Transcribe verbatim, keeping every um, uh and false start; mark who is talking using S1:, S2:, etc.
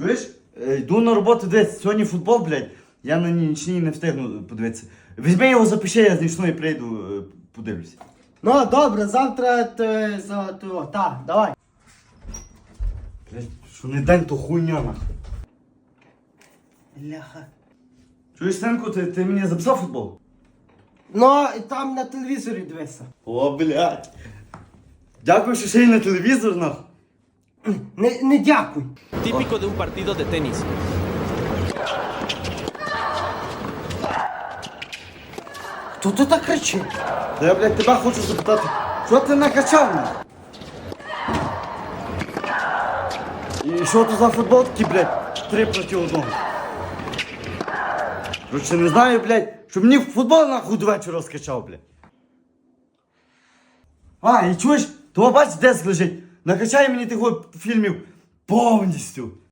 S1: Чуєш? Е, Йду на роботу десь, сьогодні футбол, блядь. Я на нічній не встигну подивитися. Візьми його, запиши, я з нічної прийду, е, подивлюся.
S2: Ну, добре, завтра ти за то. Так, давай.
S1: Блядь, що не день, то хуйня нахуй.
S2: Ляха.
S1: Чуєш, синку, ти, ти мені записав футбол?
S2: Ну, і там на телевізорі дивися.
S1: О, блядь. Дякую, що ще й на телевізор, нахуй.
S2: Не, не дякуй.
S3: Típico de un partido de tenis.
S2: Хто ти так кричить?
S1: Та я, блядь, тебе хочу запитати, що ти накачав мене? І що то за футбол такий, блядь, три проти одного? Короче, не знаю, блядь, щоб мені футбол нахуй до вечора розкачав, блядь. А, і чуєш, того бач, десь лежить. Накачай мені тих от фільмів повністю.